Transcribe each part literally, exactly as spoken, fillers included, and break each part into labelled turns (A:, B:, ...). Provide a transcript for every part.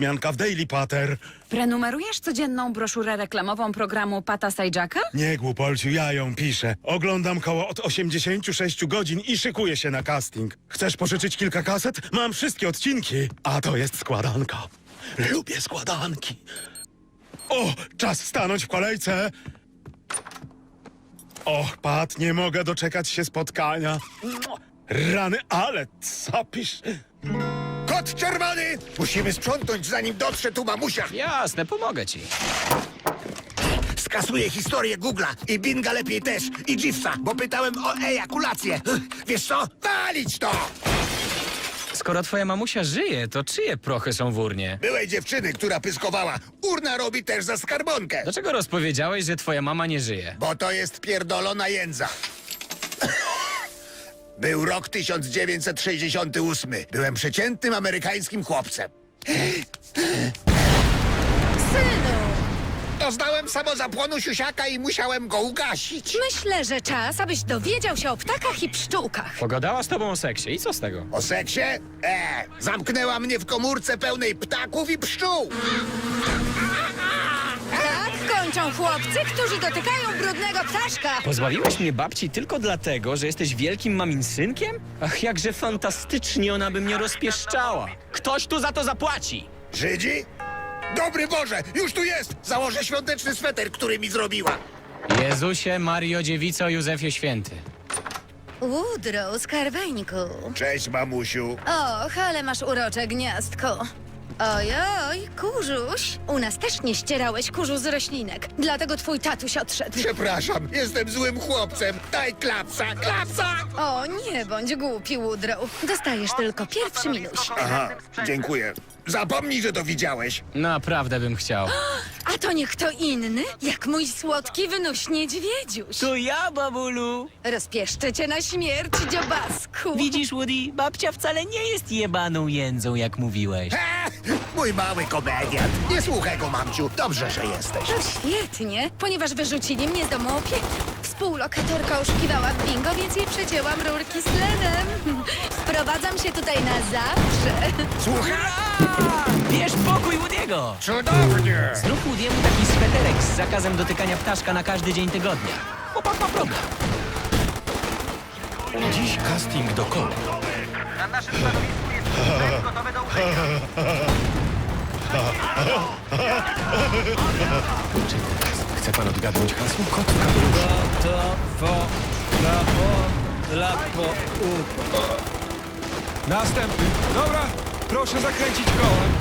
A: wzmianka w Daily Pater.
B: Prenumerujesz codzienną broszurę reklamową programu Pata Sajaka?
A: Nie, głupolciu, ja ją piszę. Oglądam koło od osiemdziesięciu sześciu godzin i szykuję się na casting. Chcesz pożyczyć kilka kaset? Mam wszystkie odcinki. A to jest składanka. Lubię składanki. O, czas stanąć w kolejce. Och, Pat, nie mogę doczekać się spotkania. Rany, ale capisz.
C: Kot czerwony! Musimy sprzątnąć, zanim dotrze tu mamusia.
D: Jasne, pomogę ci.
C: Skasuję historię Google'a i Binga lepiej też, i Jeevesa, bo pytałem o ejakulację. Wiesz co? Palić to!
D: Skoro twoja mamusia żyje, to czyje prochy są w urnie?
C: Byłej dziewczyny, która pyskowała. Urna robi też za skarbonkę.
D: Dlaczego rozpowiedziałeś, że twoja mama nie żyje?
C: Bo to jest pierdolona jędza. Był rok tysiąc dziewięćset sześćdziesiąty ósmy. Byłem przeciętnym amerykańskim chłopcem.
E: Synu,
C: Doznałem samozapłonu siusiaka i musiałem go ugasić.
E: myślę, że czas, abyś dowiedział się o ptakach i pszczółkach.
D: Pogadała z tobą o seksie i co z tego?
C: O seksie? E, zamknęła mnie w komórce pełnej ptaków i pszczół.
E: Tak kończą chłopcy, którzy dotykają brudnego ptaszka.
D: Pozbawiłeś mnie babci tylko dlatego, że jesteś wielkim mamin synkiem? Ach, jakże fantastycznie ona by mnie rozpieszczała. Ktoś tu za to zapłaci!
C: Żydzi? Dobry Boże, już tu jest! Założę świąteczny sweter, który mi zrobiła.
D: Jezusie, Mario, Dziewico, Józefie Święty.
E: Woodrow, skarbeńku.
C: Cześć, mamusiu.
E: Och, ale masz urocze gniazdko. Ojoj, kurzuś. U nas też nie ścierałeś kurzu z roślinek, dlatego twój tatuś odszedł.
C: Przepraszam, jestem złym chłopcem. Daj klapsa, klapsa!
E: O, nie bądź głupi, Woodrow. Dostajesz tylko pierwszy minuś.
C: Aha, dziękuję. Zapomnij, że to widziałeś.
D: Naprawdę bym chciał.
E: A to nie kto inny, jak mój słodki, wynośny niedźwiedziuś.
F: To ja, babulu.
E: Rozpieszczę cię na śmierć, dziobasku.
F: Widzisz, Woody, babcia wcale nie jest jebaną jędzą, jak mówiłeś.
C: Ha! Mój mały komediant. Nie słuchaj go, mamciu. Dobrze, że jesteś.
E: To świetnie, ponieważ wyrzucili mnie z domu opieki. Współlokatorka oszukiwała w bingo, więc jej przecięłam rurki z tlenem. Wprowadzam się tutaj na zawsze.
C: Słuchaj!
F: Bierz pokój Woody'ego!
C: Cudownie!
F: Zrób Woody'emu taki sweterek z zakazem dotykania ptaszka na każdy dzień tygodnia. Chłopak ma problem.
G: Dziś casting do koła.
H: Na naszym stanowisku jest wszystko gotowe do użycia.
G: Czy teraz chce pan odgadnąć hasło? Kot w kapeluszu.
F: To, fo, la, po, la, po, u.
I: Następny. Dobra, proszę zakręcić kołem.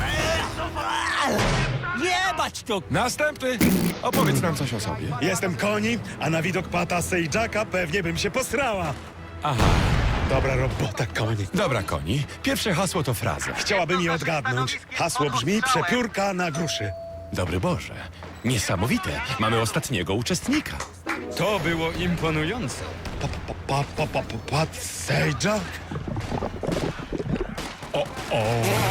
F: Jebać to!
I: Następny.
G: Opowiedz nam coś o sobie.
A: Jestem Koni, a na widok Pata Sajaka pewnie bym się posrała.
G: Aha.
A: Dobra robota, Koni.
G: Dobra, Koni. Pierwsze hasło to fraza.
A: Chciałabym je odgadnąć. Hasło brzmi przepiórka na gruszy.
G: Dobry Boże. Niesamowite. Mamy ostatniego uczestnika.
I: To było imponujące.
A: Pa, pa, pa, pa, pa, pa, Pat Sajak? O, o.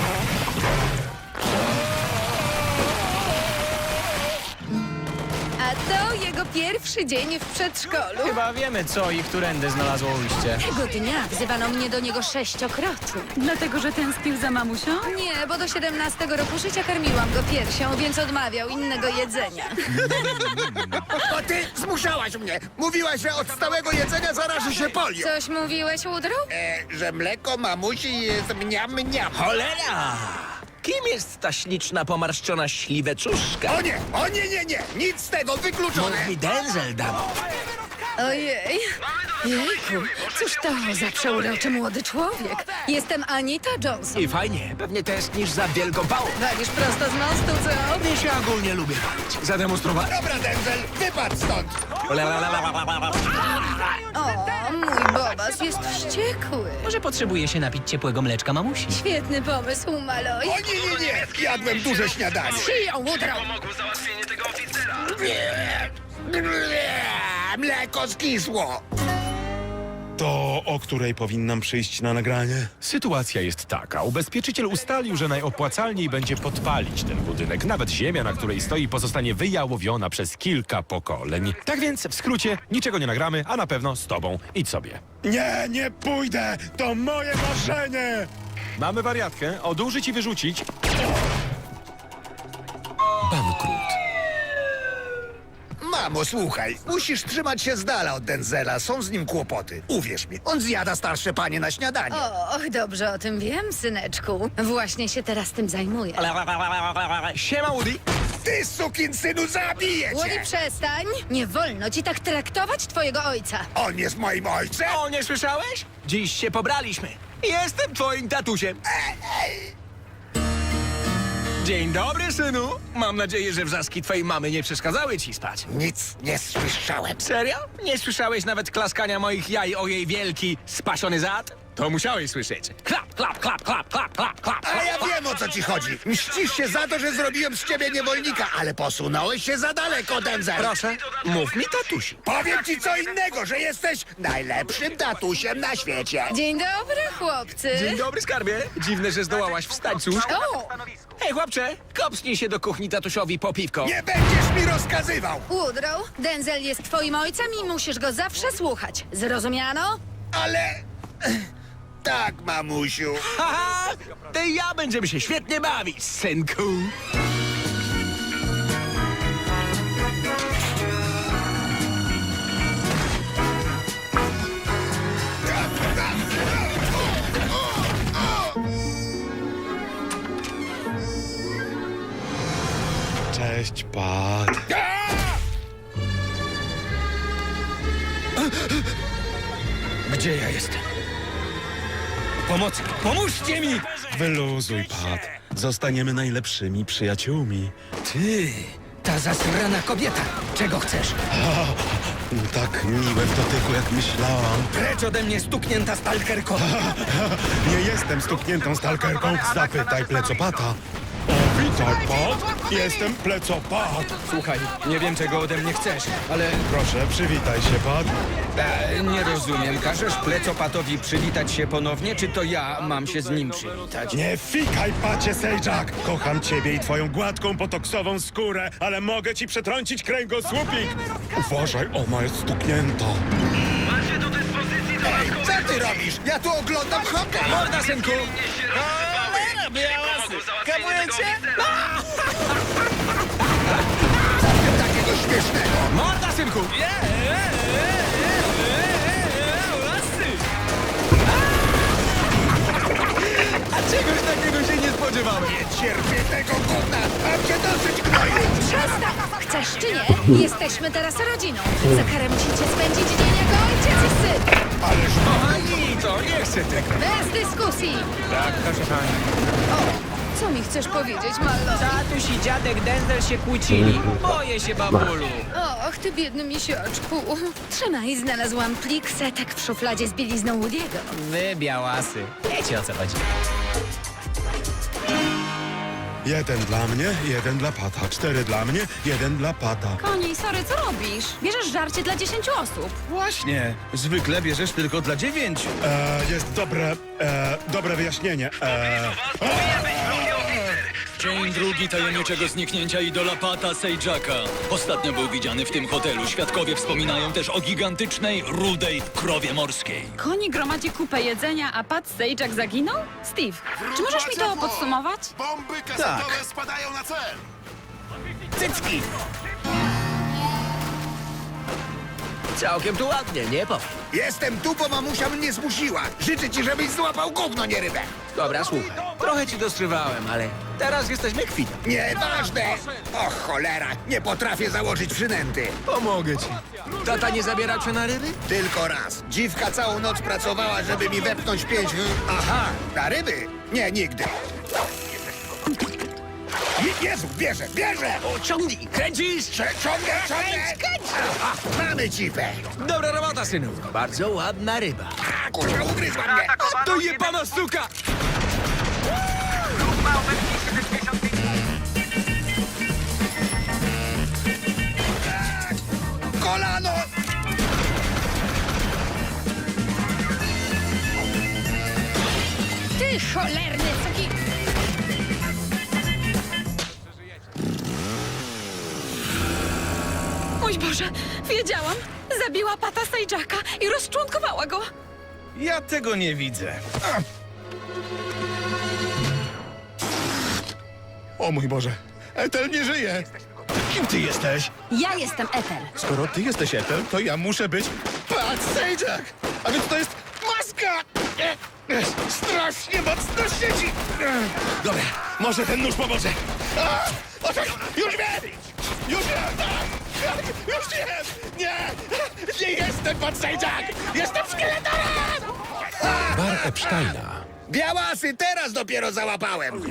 E: A to jego pierwszy dzień w przedszkolu.
D: Chyba wiemy, co i którędy znalazło ujście.
E: Tego dnia wzywano mnie do niego sześciokrotnie.
B: Dlatego, że tęsknił za mamusią?
E: Nie, bo do siedemnastego roku życia karmiłam go piersią, więc odmawiał innego jedzenia.
C: To ty zmuszałaś mnie. Mówiłaś, że od stałego jedzenia zaraży się polio.
E: Coś mówiłeś, Woodrow?
C: E, że mleko mamusi jest mniam mniam.
F: Cholera! Kim jest ta śliczna, pomarszczona śliweczuszka?
C: O nie, o nie, nie, nie. Nic z tego, wykluczone.
F: Mówi Denzel, damo.
E: Ojej. Jejku, cóż to za przeuroczy młody człowiek. Jestem Anita Johnson.
F: I fajnie, pewnie tęsknisz za wielką pałą.
E: Walisz prosto z mostu, co?
F: Mnie się ogólnie lubię walić. Zademonstrowałem.
C: Dobra, Denzel, wypadł stąd.
E: O, mój Bobas jest wściekły.
F: Może potrzebuje się napić ciepłego mleczka mamusi.
E: Świetny pomysł, Maloj.
C: O nie, nie, nie. Jadłem duże śniadanie.
E: Siją, Woodrow.
H: Pomogło załatwienie tego oficera.
C: Mleko skisło.
A: To o której powinnam przyjść na nagranie?
G: Sytuacja jest taka. Ubezpieczyciel ustalił, że najopłacalniej będzie podpalić ten budynek. Nawet ziemia, na której stoi, pozostanie wyjałowiona przez kilka pokoleń. Tak więc, w skrócie, niczego nie nagramy, a na pewno z tobą. Idź sobie.
A: Nie, nie pójdę! To moje marzenie!
G: Mamy wariatkę. Odurzyć i wyrzucić.
C: Mamo, słuchaj, musisz trzymać się z dala od Denzela, są z nim kłopoty. Uwierz mi, on zjada starsze panie na śniadanie.
E: Och, dobrze o tym wiem, syneczku. Właśnie się teraz tym zajmuję.
D: Siema, Woody.
C: Ty, sukinsynu, zabiję
E: Woody,
C: cię!
E: przestań! Nie wolno ci tak traktować twojego ojca.
C: On jest moim ojcem?
D: O, nie słyszałeś? Dziś się pobraliśmy. Jestem twoim tatusiem. Dzień dobry, synu. Mam nadzieję, że wrzaski twojej mamy nie przeszkadzały ci spać.
C: Nic nie słyszałem.
D: Serio? Nie słyszałeś nawet klaskania moich jaj o jej wielki, spasiony zad? To musiałeś słyszeć. Klap, klap, klap, klap, klap, klap, klap.
C: Ale ja wiem, o co ci chodzi. Mścisz się za to, że zrobiłem z ciebie niewolnika, ale posunąłeś się za daleko, Denzel.
D: Proszę, mów mi tatusi.
C: Powiem ci co innego, że jesteś najlepszym tatusiem na świecie.
E: Dzień dobry, chłopcy.
D: Dzień dobry, skarbie. Dziwne, że zdołałaś wstać, cóż.
E: O!
D: Hej, chłopcze, kopsnij się do kuchni tatusiowi po piwko.
C: Nie będziesz mi rozkazywał.
E: Woodrow, Denzel jest twoim ojcem i musisz go zawsze słuchać. Zrozumiano?
C: Ale... Tak, mamusiu.
D: Haha, ty i ja będziemy się świetnie bawić, synku.
A: Cześć, Pat.
I: Gdzie ja jestem? Pomocy! Pomóżcie mi!
A: Wyluzuj, Pat. Zostaniemy najlepszymi przyjaciółmi.
I: Ty, ta zasrana kobieta. Czego chcesz?
A: No tak miłe w dotyku, jak myślałam.
I: Precz ode mnie stuknięta stalkerko!
A: Nie jestem stukniętą stalkerką. Zapytaj plecopata. O, witaj, Pat. Jestem plecopat.
I: Słuchaj, nie wiem czego ode mnie chcesz, ale
A: Proszę, przywitaj się, Pat.
I: e, nie rozumiem. Każesz plecopatowi przywitać się ponownie, czy to ja mam się z nim przywitać?
A: Nie fikaj, pacie Sejczak! Kocham ciebie i twoją gładką, potoksową skórę, ale mogę ci przetrącić kręgosłupik! Uważaj, ona jest stuknięta.
H: Macie do dyspozycji
C: Ej, co ty robisz? Ja tu oglądam hockey.
D: Morda, synku!
H: Kapujecie?
C: Takiego śmiesznego.
D: Morda, synku! A czegoś takiego się nie spodziewałem.
C: Nie cierpię tego gówna. Mam cię dosyć, gnoju.
E: Przestań! Chcesz czy nie? Jesteśmy teraz rodziną. Za karę musicie spędzić dzień jako ojciec i syn.
C: Ależ
D: Kochani, to nie chcę tego.
E: Bez dyskusji.
I: Tak, proszę pani.
E: O, co mi chcesz powiedzieć, Mallory?
F: Tatuś i dziadek Denzel się kłócili. Boję się, babulu.
E: Och, ty biedny misiaczku. Trzymaj, znalazłam plik setek w szufladzie z bielizną Woody'ego.
F: Wy, białasy. Wiecie, o co chodzi.
A: Jeden dla mnie, jeden dla Pata. Cztery dla mnie, jeden dla Pata.
B: Koni, sorry, co robisz? Bierzesz żarcie dla dziesięciu osób.
I: Właśnie, zwykle bierzesz tylko dla dziewięciu.
A: E, jest dobre, e, dobre wyjaśnienie. E,
J: Dzień drugi tajemniczego zniknięcia idola Pata Sejczaka. Ostatnio był widziany w tym hotelu. Świadkowie wspominają też o gigantycznej, rudej krowie morskiej.
B: Koni gromadzi kupę jedzenia, a Pat Sejczak zaginął? Steve, czy możesz mi to podsumować?
K: Bomby kasetowe spadają na cel!
D: Cycki! Całkiem tu ładnie, nie powiem.
C: jestem tu, bo mamusia mnie zmusiła. Życzę ci, żebyś złapał gówno, nie rybę.
D: Dobra, słuchaj. Trochę ci dostrywałem, ale teraz jesteśmy kwita.
C: Nieważne. O cholera, nie potrafię założyć przynęty.
D: Pomogę ci. Tata nie zabiera cię na ryby?
C: Tylko raz. Dziwka całą noc pracowała, żeby mi wepchnąć pięć... Aha, na ryby? Nie, nigdy. Je- Jezu, bierze, bierze!
D: O, ciągnij, kręcisz!
C: Cze- Ciągnę, ciągnę! Aha, mamy cipę.
D: Dobra robota, synu. Bardzo ładna ryba.
C: A, kurwa, ugryzła mnie.
D: To jebana suka!
H: Grup ma obecnie siedemdziesiąt pięć.
C: Kolano!
E: Ty cholerny, taki...
B: Mój Boże, wiedziałam! Zabiła Pata Sejczaka i rozczłonkowała go!
I: Ja tego nie widzę.
A: o mój Boże, Ethel nie żyje!
K: Kim ty jesteś?
B: Ja jestem Ethel.
K: Skoro ty jesteś Ethel, to ja muszę być Pat Sajak! A więc to jest maska! E, e, Strasznie mocno siedzi! E, Dobra, może ten nóż pomoże. A, o tak, już wiem! Już wiem! Tak, już wiem! Nie! Nie jestem Pat Sajak! Jestem szkieletorem!
G: Bar Epsteina.
C: Białasy teraz dopiero załapałem.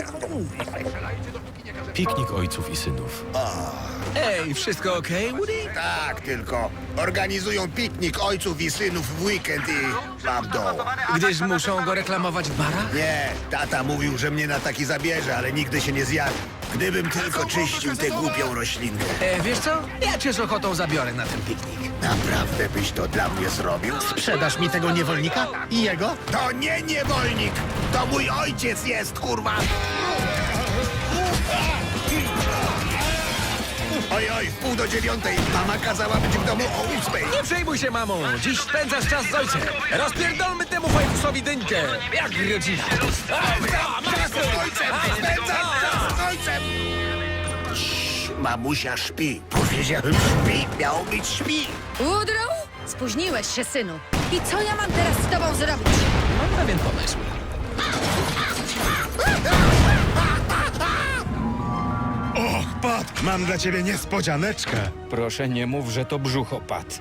G: Piknik ojców i synów.
I: Ej, wszystko okej, Woody?
C: Tak, tylko organizują piknik ojców i synów w weekend i mam dom.
I: Gdyż muszą go reklamować w barach?
C: Nie, tata mówił, że mnie na taki zabierze, ale nigdy się nie zjawi. Gdybym tylko czyścił tę głupią roślinkę.
I: E, wiesz co? Ja cię z ochotą zabiorę na ten piknik.
C: Naprawdę byś to dla mnie zrobił?
K: Sprzedasz mi tego niewolnika? I jego?
C: To nie niewolnik! To mój ojciec jest, kurwa! Oj, oj, w pół do dziewiątej. Mama kazała być w domu o ósmej.
I: Nie przejmuj się, mamo. Dziś spędzasz czas z ojcem. Rozpierdolmy temu fajfusowi dynkę. Jak rodzina.
C: Czas z ojcem! Spędzam czas z ojcem! Cii, mamusia śpi. Powiedziałem śpi, miało być śpi.
E: Woodrow? Spóźniłeś się, synu. I co ja mam teraz z tobą zrobić?
I: Mam pewien pomysł.
A: Och, Pat, mam dla ciebie niespodzianeczkę.
I: Proszę, nie mów, że to brzuchopad.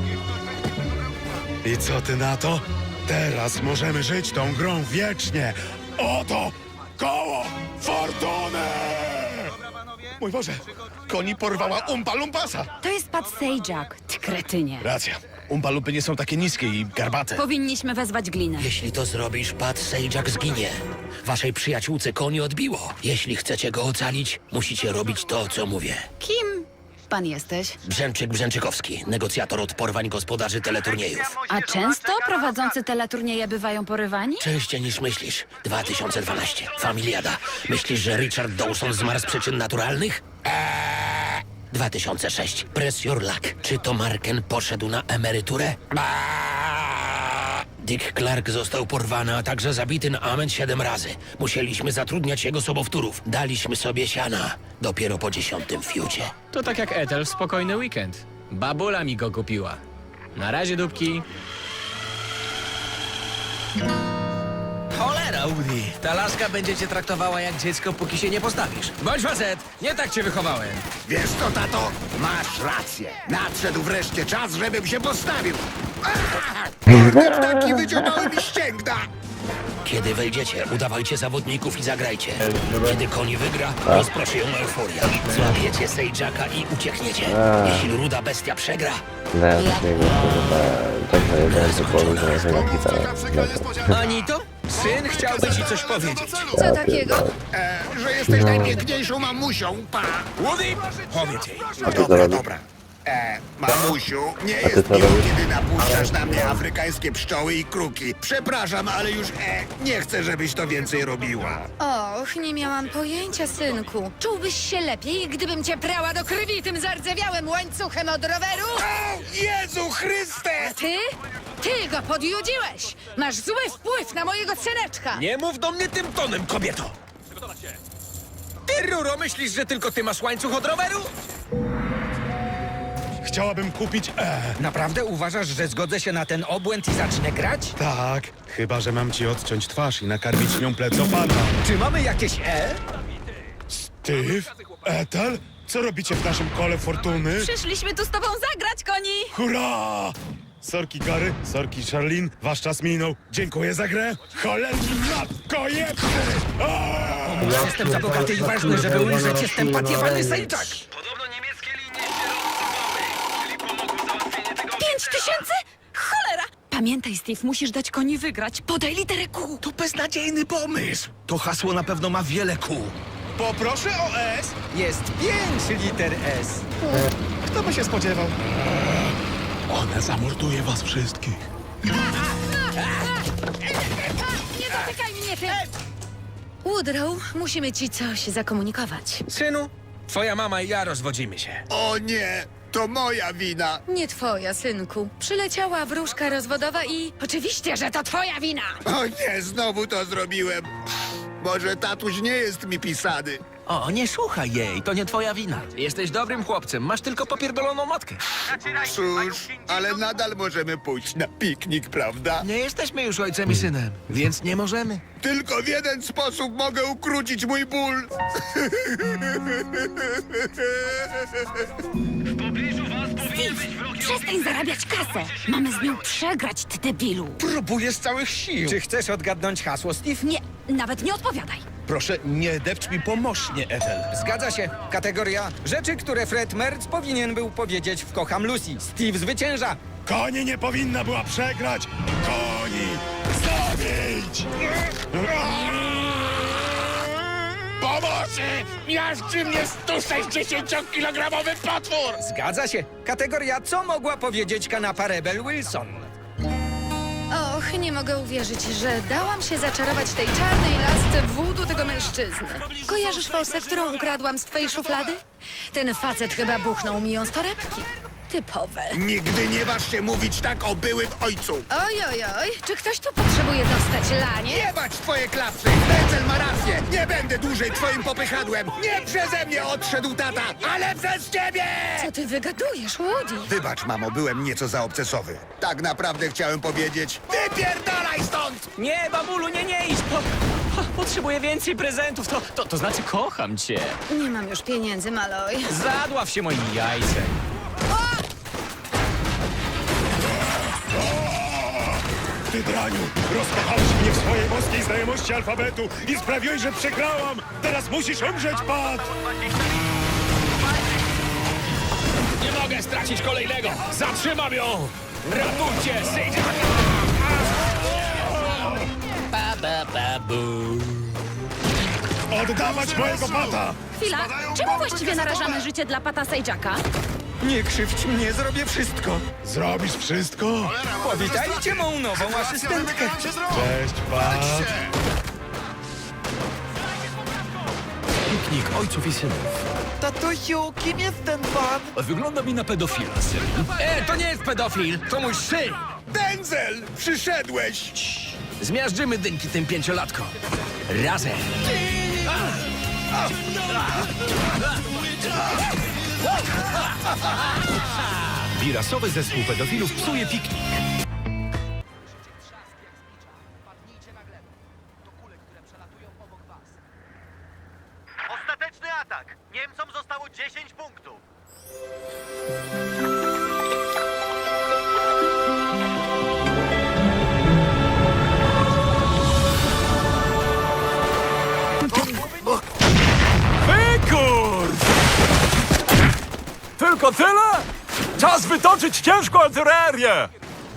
A: I co ty na to? Teraz możemy żyć tą grą wiecznie. Oto koło fortuny!
K: Mój Boże, koni porwała Umpa Lumpasa.
B: To jest Pat Sajak, ty kretynie.
K: Racja. Umpa Lumpy nie są takie niskie i garbate.
B: Powinniśmy wezwać glinę.
C: Jeśli to zrobisz, Pat Sajak zginie. Waszej przyjaciółce koni odbiło. Jeśli chcecie go ocalić, musicie robić to, co mówię.
B: Kim pan jesteś?
C: Brzęczyk Brzęczykowski, negocjator od porwań gospodarzy teleturniejów.
B: A często prowadzący teleturnieje bywają porywani?
C: Częściej niż myślisz. dwa tysiące dwanaście. Familiada. Myślisz, że Richard Dawson zmarł z przyczyn naturalnych? Eee. dwa tysiące sześć. Press your luck. Czy to Marken poszedł na emeryturę? Eee. Dick Clark został porwany, a także zabity na amen siedem razy. Musieliśmy zatrudniać jego sobowtórów. Daliśmy sobie siana. Dopiero po dziesiątym fiucie.
D: To tak jak Ethel w spokojny weekend. Babula mi go kupiła. Na razie, dupki.
I: Cholera, Woody. Ta laska będzie cię traktowała jak dziecko, póki się nie postawisz. Bądź facet, nie tak cię wychowałem.
C: Wiesz co, tato? Masz rację. Nadszedł wreszcie czas, żebym się postawił. Te ptaki wyciągały mi ścięgna. Kiedy wejdziecie, udawajcie zawodników i zagrajcie. Kiedy koń wygra, rozproszy ją euforia. Złapiecie Sajaka i uciekniecie. Jeśli ruda bestia przegra,
I: Anito? Syn chciałby ci coś powiedzieć.
E: Co takiego?
C: e, że jesteś najpiękniejszą mamusią, pa.
I: Woody, powiedz jej.
C: Dobra, dobra. E, mamusiu, nie jest miło, kiedy napuszczasz na mnie afrykańskie pszczoły i kruki. Przepraszam, ale już e, nie chcę, żebyś to więcej robiła.
E: Och, nie miałam pojęcia, synku. Czułbyś się lepiej, gdybym cię prała do krwi tym zardzewiałym łańcuchem od roweru?
C: O, Jezu Chryste!
E: Ty? Ty go podjudziłeś! Masz zły wpływ na mojego syneczka!
I: Nie mów do mnie tym tonem, kobieto. Ty, Ruro, myślisz, że tylko ty masz łańcuch od roweru?
A: Chciałabym kupić E.
I: Naprawdę uważasz, że zgodzę się na ten obłęd i zacznę grać?
A: Tak, chyba że mam ci odciąć twarz i nakarmić nią plecopata.
I: Czy mamy jakieś E?
A: Steve? Ethel? Co robicie w naszym kole fortuny?
B: Przyszliśmy tu z tobą zagrać, koni!
A: Hurra! Sorki Gary, sorki Charlene, wasz czas minął. Dziękuję za grę. Cholerni matko jebny!
I: Jestem za bogaty i ważny, żeby umrzeć. Jestem patiowany Sajczak.
H: Podobno niemieckie linie się rozsypały, czyli pomogą załatwienie tego...
B: Pięć tysięcy? Cholera! Pamiętaj, Steve, musisz dać koni wygrać. Podaj literę Q.
C: To beznadziejny pomysł. To hasło na pewno ma wiele kół.
K: Poproszę o S.
I: Jest pięć liter S.
K: Kto by się spodziewał?
A: Ona zamorduje was wszystkich.
E: Nie dotykaj mnie, ty! Woodrow, musimy ci coś zakomunikować.
I: Synu, twoja mama i ja rozwodzimy się.
C: O nie, to moja wina.
E: Nie twoja, synku. Przyleciała wróżka rozwodowa i... Oczywiście, że to twoja wina!
C: O nie, znowu to zrobiłem. Może tatuś nie jest mi pisany.
F: O, nie słuchaj jej, to nie twoja wina. Jesteś dobrym chłopcem, masz tylko popierdoloną matkę.
K: Cóż, ale nadal możemy pójść na piknik, prawda?
F: Nie jesteśmy już ojcem i synem, więc nie możemy.
K: Tylko w jeden sposób mogę ukrócić mój ból.
B: Przestań zarabiać kasę. Mamy z nią przegrać, ty debilu.
K: Próbuję z całych sił.
I: Czy chcesz odgadnąć hasło, Steve?
B: Nie, nawet nie odpowiadaj.
K: Proszę, nie depcz mi pomożnie, Ethel.
I: Zgadza się. Kategoria rzeczy, które Fred Merz powinien był powiedzieć w Kocham Lucy. Steve zwycięża.
A: Koni nie powinna była przegrać! Koni! Zabić!
K: Pomocy! Miażdży mnie sto sześćdziesięciokilogramowy potwór!
I: Zgadza się. Kategoria co mogła powiedzieć kanapa Rebel Wilson?
E: Och, nie mogę uwierzyć, że dałam się zaczarować tej czarnej lasce wódu tego mężczyzny. Kojarzysz fałsę, którą ukradłam z twojej szuflady? Ten facet chyba buchnął mi ją z torebki. Typowe.
K: Nigdy nie waż się mówić tak o byłym ojcu!
E: Oj, oj, oj, czy ktoś tu potrzebuje dostać lanie?
K: Nie bać twoje klapsy! Denzel ma rację! Nie będę dłużej twoim popychadłem! Nie przeze mnie odszedł tata, ale przez ciebie!
E: Co ty wygadujesz, Woody?
K: Wybacz, mamo, byłem nieco zaobcesowy. Tak naprawdę chciałem powiedzieć... Wypierdalaj stąd!
D: Nie, babulu, nie, nie idź! Po, po, potrzebuję więcej prezentów, to, to, to znaczy kocham cię.
E: Nie mam już pieniędzy, Maloj.
D: Zadław się moim jajcem.
A: Ty draniu! Rozkochałeś mnie w swojej boskiej znajomości alfabetu i sprawiłeś, że przegrałam! Teraz musisz umrzeć, Pat!
J: Nie mogę stracić kolejnego! Zatrzymam ją! Ratujcie, Sage!
C: Ba, ba, ba, bu.
A: Oddawać mojego Pata!
B: Chwila, czemu właściwie narażamy życie dla Pata Sage'aka?
I: Nie krzywdź mnie, zrobię wszystko.
A: Zrobisz wszystko?
I: Powitajcie mą nową asystentkę.
A: Cześć, Pat!
G: Piknik ojców i synów.
F: Tatusiu, kim jest ten pan?
J: Wygląda mi na pedofila, syn.
F: E, to nie jest pedofil, to mój syn!
K: Denzel! Przyszedłeś!
F: Zmiażdżymy dynki tym pięciolatkom. Razem.
G: Birasowy zespół pedofilów psuje piknik.
H: Ostateczny atak! Niemcom zostało dziesięć punktów.
G: Wykur! Tylko tyle? Czas wytoczyć ciężką artylerię!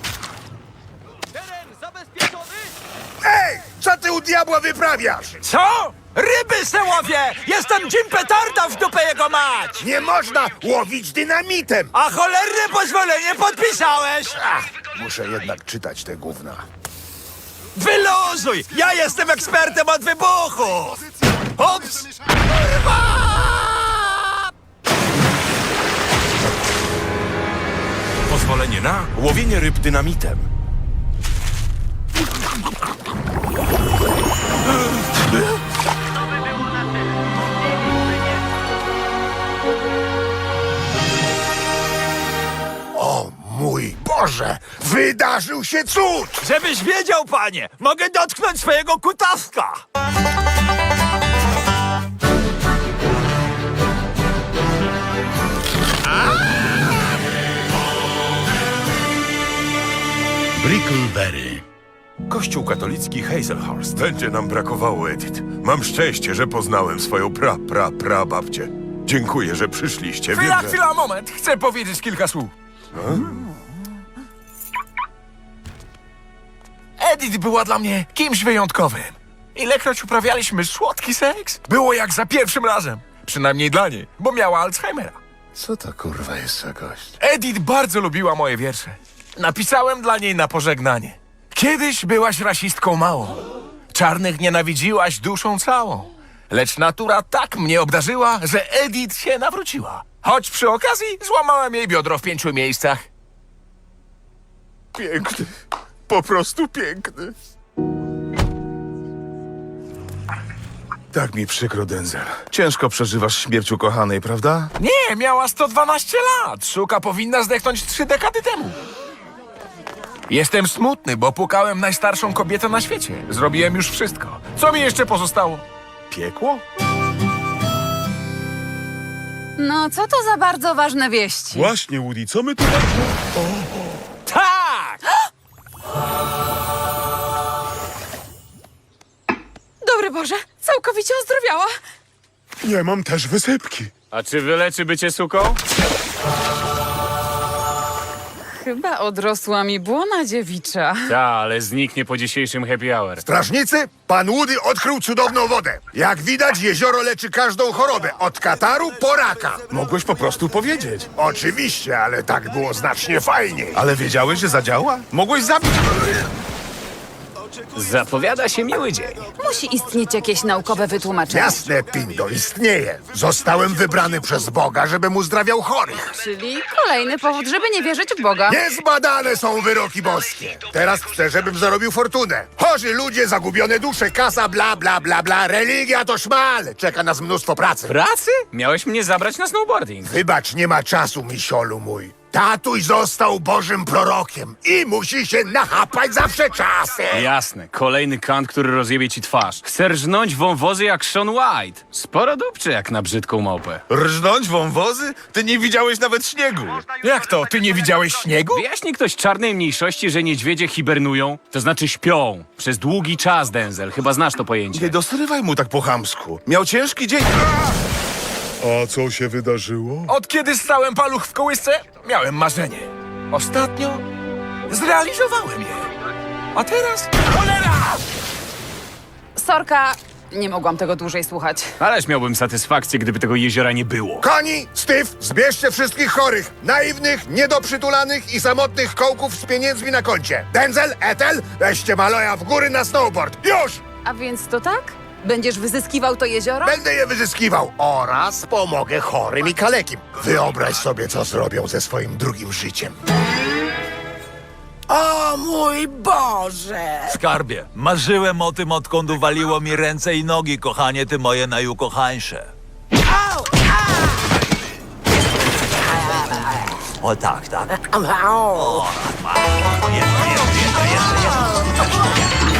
K: Ej! Co ty u diabła wyprawiasz?
G: Co? Ryby se łowię! Jestem Jim Petarda w dupę jego mać!
K: Nie można łowić dynamitem!
G: A cholerne pozwolenie podpisałeś!
K: Ach, muszę jednak czytać te gówna.
G: Wyluzuj! Ja jestem ekspertem od wybuchu! Ups! Pozwolenie na łowienie ryb dynamitem.
K: O mój Boże! Wydarzył się cud!
G: Żebyś wiedział, panie, mogę dotknąć swojego kutaska!
K: Brickleberry.
G: Kościół katolicki Hazelhurst.
L: Będzie nam brakowało, Edith. Mam szczęście, że poznałem swoją pra, pra, pra babcię. Dziękuję, że przyszliście.
G: Chwila,
L: Wiem, że-
G: chwila, moment. Chcę powiedzieć kilka słów. Edith była dla mnie kimś wyjątkowym. Ilekroć uprawialiśmy słodki seks, było jak za pierwszym razem. Przynajmniej dla niej, bo miała Alzheimera.
K: Co to kurwa jest za gość?
G: Edith bardzo lubiła moje wiersze. Napisałem dla niej na pożegnanie. Kiedyś byłaś rasistką małą. Czarnych nienawidziłaś duszą całą. Lecz natura tak mnie obdarzyła, że Edith się nawróciła. Choć przy okazji złamałem jej biodro w pięciu miejscach.
L: Piękny. Po prostu piękny.
K: Tak mi przykro, Denzel. Ciężko przeżywasz śmierć ukochanej, prawda?
M: Nie, miała sto dwanaście lat. Szuka powinna zdechnąć trzy dekady temu. Jestem smutny, bo pukałem najstarszą kobietę na świecie. Zrobiłem już wszystko. Co mi jeszcze pozostało?
K: Piekło?
B: No, co to za bardzo ważne wieści?
A: Właśnie, Woody, co my tutaj...
M: Tak!
B: Dobry Boże, całkowicie ozdrowiała.
A: Nie mam też wysypki.
D: A czy wyleczy bycie suką?
B: Chyba odrosła mi błona dziewicza.
D: Ta, ale zniknie po dzisiejszym happy hour.
L: Strażnicy, pan Woody odkrył cudowną wodę. Jak widać, jezioro leczy każdą chorobę, od kataru po raka.
K: Mogłeś po prostu powiedzieć.
L: Oczywiście, ale tak było znacznie fajniej.
K: Ale wiedziałeś, że zadziała? Mogłeś zabić...
D: Zapowiada się miły dzień.
B: Musi istnieć jakieś naukowe wytłumaczenie.
L: Jasne, Pindo, istnieje. Zostałem wybrany przez Boga, żebym uzdrawiał chorych.
B: Czyli kolejny powód, żeby nie wierzyć w Boga.
L: Niezbadane są wyroki boskie. Teraz chcę, żebym zarobił fortunę. Chorzy ludzie, zagubione dusze, kasa, bla, bla, bla, bla. Religia to szmal. Czeka nas mnóstwo pracy.
D: Pracy? Miałeś mnie zabrać na snowboarding.
L: Wybacz, nie ma czasu, misiolu mój. Tatuś został Bożym prorokiem i musi się nachapać zawsze czasem.
D: Jasne, kolejny kant, który rozjebie ci twarz. Chce rżnąć wąwozy jak Sean White. Sporo dupczy jak na brzydką małpę.
K: Rżnąć wąwozy? Ty nie widziałeś nawet śniegu.
M: Jak to? Ty nie widziałeś śniegu?
D: Wyjaśni ktoś czarnej mniejszości, że niedźwiedzie hibernują? To znaczy śpią. Przez długi czas, Denzel. Chyba znasz to pojęcie.
K: Nie dosrywaj mu tak po chamsku. Miał ciężki dzień.
A: A co się wydarzyło?
M: Od kiedy stałem paluch w kołysce, miałem marzenie. Ostatnio zrealizowałem je. A teraz... Cholera!
B: Sorka, nie mogłam tego dłużej słuchać.
D: Ależ miałbym satysfakcję, gdyby tego jeziora nie było.
L: Koni, Steve, zbierzcie wszystkich chorych, naiwnych, niedoprzytulanych i samotnych kołków z pieniędzmi na koncie. Denzel, Ethel, weźcie Maloja w góry na snowboard. Już!
B: A więc to tak? Będziesz wyzyskiwał to jezioro?
L: Będę je wyzyskiwał oraz pomogę chorym i kalekim. Wyobraź sobie, co zrobią ze swoim drugim życiem.
N: O mój Boże!
O: Skarbie, marzyłem o tym, odkąd uwaliło mi ręce i nogi, kochanie, ty moje najukochańsze.
N: Au!
O: O tak, tak.
N: Au!
O: O, jeszcze, jeszcze, jeszcze, jeszcze,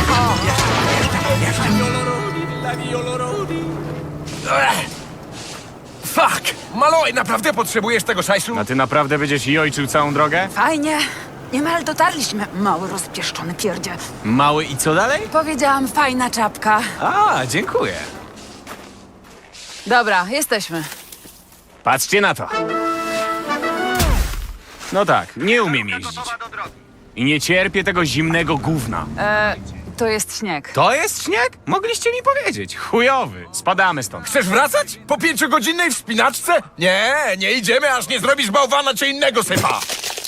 M: Fuck! Maloj, naprawdę potrzebujesz tego szajsu?
D: A ty naprawdę będziesz jojczył całą drogę?
B: Fajnie. Niemal dotarliśmy, mały rozpieszczony pierdzie.
D: Mały i co dalej?
B: Powiedziałam fajna czapka.
D: A, dziękuję.
B: Dobra, jesteśmy.
D: Patrzcie na to. No tak, nie umiem jeździć. I nie cierpię tego zimnego gówna.
B: E, to jest śnieg.
D: To jest śnieg? Mogliście mi powiedzieć. Chujowy. Spadamy stąd.
M: Chcesz wracać? Po pięciogodzinnej wspinaczce? Nie, nie idziemy, aż nie zrobisz bałwana czy innego sypa.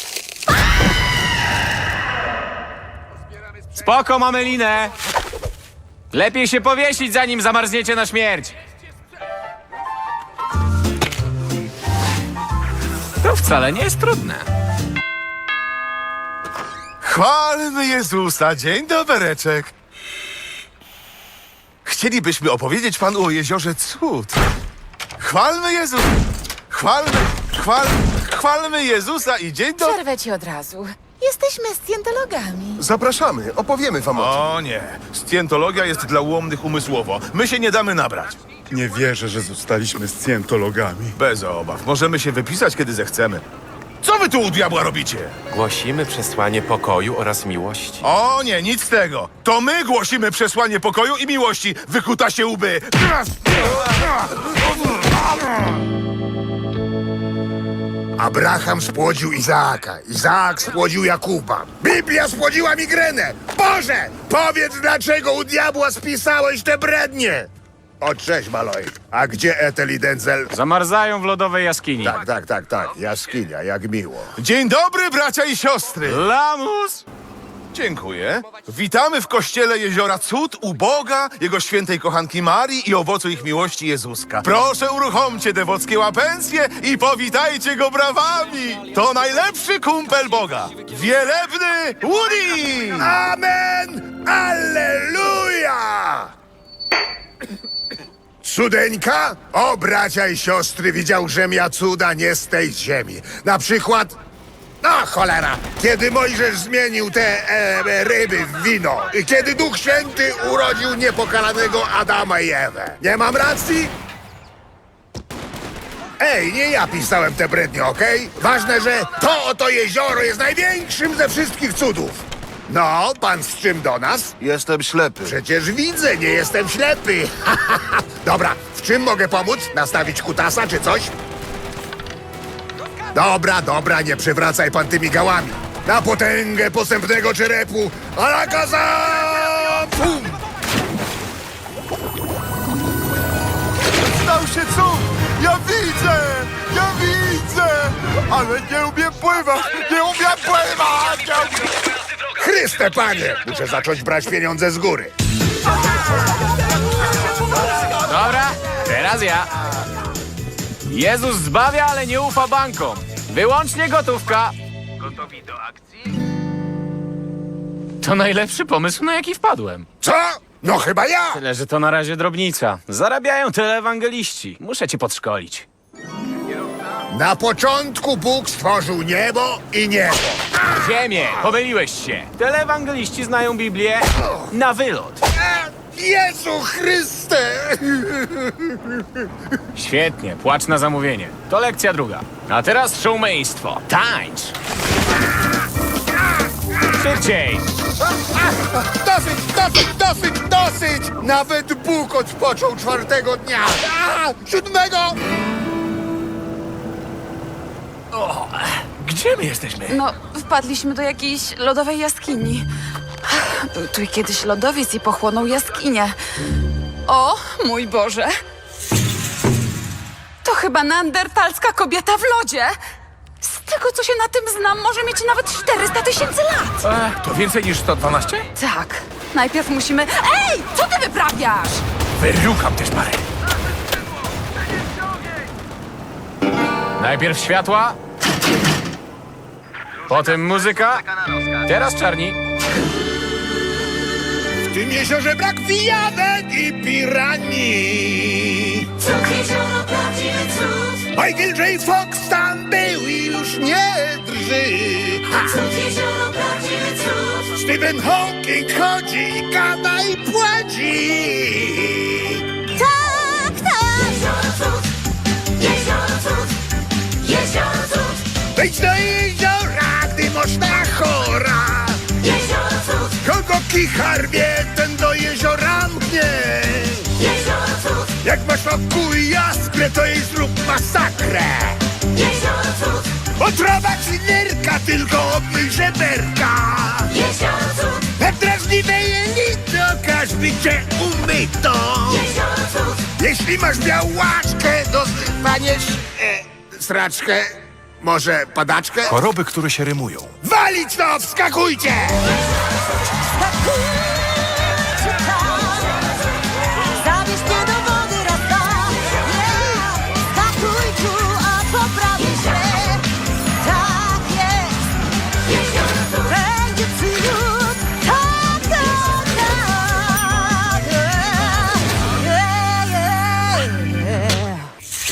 D: Spoko, mamy linę. Lepiej się powiesić, zanim zamarzniecie na śmierć. To wcale nie jest trudne.
K: Chwalmy Jezusa, dzień dobereczek. Chcielibyśmy opowiedzieć panu o jeziorze cud. Chwalmy Jezusa. Chwalmy, chwalmy, chwalmy Jezusa i dzień do...
E: Przerwę ci od razu. Jesteśmy scjentologami.
L: Zapraszamy, opowiemy wam o tym.
K: O nie, scjentologia jest dla ułomnych umysłowo. My się nie damy nabrać.
A: Nie wierzę, że zostaliśmy scjentologami.
K: Bez obaw, możemy się wypisać, kiedy zechcemy. Co wy tu u diabła robicie?
P: Głosimy przesłanie pokoju oraz miłości.
K: O nie, nic z tego. To my głosimy przesłanie pokoju i miłości. Wykuta się łby.
L: Abraham spłodził Izaaka, Izaak spłodził Jakuba. Biblia spłodziła migrenę. Boże, powiedz, dlaczego u diabła spisałeś te brednie? O, cześć, Maloj. A gdzie Ethel i Denzel?
D: Zamarzają w lodowej jaskini.
L: Tak, tak, tak, tak. Jaskinia, jak miło.
K: Dzień dobry, bracia i siostry.
D: Lamus!
K: Dziękuję. Witamy w kościele Jeziora Cud u Boga, Jego świętej kochanki Marii i owocu ich miłości Jezuska. Proszę, uruchomcie dewockie łapencje i powitajcie go brawami. To najlepszy kumpel Boga. Wielebny Woody!
L: Amen! Alleluja! Cudeńka? O, bracia i siostry, widział, żem ja cuda nie z tej ziemi. Na przykład... No, cholera! Kiedy Mojżesz zmienił te e, ryby w wino. I kiedy Duch Święty urodził niepokalanego Adama i Ewę. Nie mam racji? Ej, nie ja pisałem te brednie, okej? Ważne, że to oto jezioro jest największym ze wszystkich cudów. No, pan z czym do nas?
K: Jestem ślepy.
L: Przecież widzę, nie jestem ślepy. Dobra, w czym mogę pomóc? Nastawić kutasa czy coś? Dobra, dobra, nie przewracaj pan tymi gałami. Na potęgę posępnego czerepu. Alakazam! Pum!
K: Stał się cud! Ja widzę! Ja widzę! Ale nie umiem pływać! Nie umiem pływać! Nie umiem...
L: Chryste, panie! Muszę zacząć brać pieniądze z góry.
Q: Dobra, teraz ja. Jezus zbawia, ale nie ufa bankom. Wyłącznie gotówka. Gotowi do akcji? To najlepszy pomysł, na jaki wpadłem.
L: Co? No chyba ja!
Q: Tyle, że to na razie drobnica. Zarabiają tyle ewangeliści. Muszę cię podszkolić.
L: Na początku Bóg stworzył niebo i niebo.
Q: Ziemię, pomyliłeś się. Telewangeliści znają Biblię na wylot.
L: Jezu Chryste!
Q: Świetnie, płacz na zamówienie. To lekcja druga. A teraz showmeństwo. Tańcz! Szybciej!
L: Dosyć, dosyć, dosyć, dosyć! Nawet Bóg odpoczął czwartego dnia. A, siódmego!
M: O, gdzie my jesteśmy?
B: No, wpadliśmy do jakiejś lodowej jaskini. Był tu kiedyś lodowiec i pochłonął jaskinię. O, mój Boże! To chyba neandertalska kobieta w lodzie. Z tego, co się na tym znam, może mieć nawet czterysta tysięcy lat.
M: E, to więcej niż sto dwanaście?
B: Tak. Najpierw musimy... Ej! Co ty wyprawiasz?
M: Wyrukam też parę.
Q: Najpierw światła, potem muzyka, teraz czarni.
L: W tym jeziorze brak pijawek i piranii.
R: Cud jezioro, prawdziwy cud.
L: Michael J. Fox tam był i już nie drży.
R: Cud jezioro, prawdziwy cud.
L: Stephen Hawking chodzi i gada i płaci.
R: Tak, tak. Jezioro cud, jezioro cud, jezioro cud.
L: Wejdź do jeziora, gdy można chora.
R: Jezioro cud,
L: Kogo kichar wie, ten do jeziora mknie.
R: jezioro cud,
L: Jak masz wokół jaskrę, to jej zrób masakrę.
R: jezioro cud,
L: Otrawa ci nerka, tylko obmyj żeberka.
R: jezioro cud,
L: Na drażliwe jelito, każdy cię umyto.
R: jezioro cud.
L: Jeśli masz białaczkę, dostaniesz e, sraczkę, może padaczkę.
G: Choroby, które się rymują.
L: Walić to, wskakujcie!
R: Zabierz mnie do wody raz, dwa. Yeah. Skakuj tu, a poprawi się. Tak jest. Jezioro cud. Będzie cud. Tak, tak, tak. Yeah, yeah, yeah.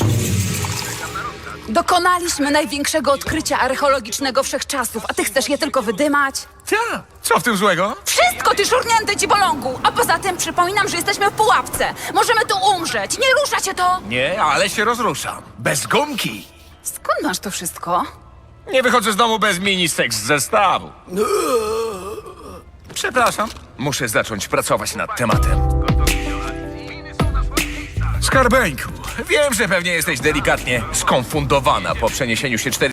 B: Dokonaliśmy największego odkrycia archeologicznego wszechczasów, a ty chcesz je tylko wydymać?
M: Ja, co w tym złego?
B: Wszystko, ty szurnięty dzibolągu! A poza tym przypominam, że jesteśmy w pułapce. Możemy tu umrzeć. Nie rusza cię to!
M: Nie, ale się rozruszam. Bez gumki.
B: Skąd masz to wszystko?
M: Nie wychodzę z domu bez mini seks z zestawu. Przepraszam. Muszę zacząć pracować nad tematem. Skarbeńku, wiem, że pewnie jesteś delikatnie skonfundowana po przeniesieniu się cztery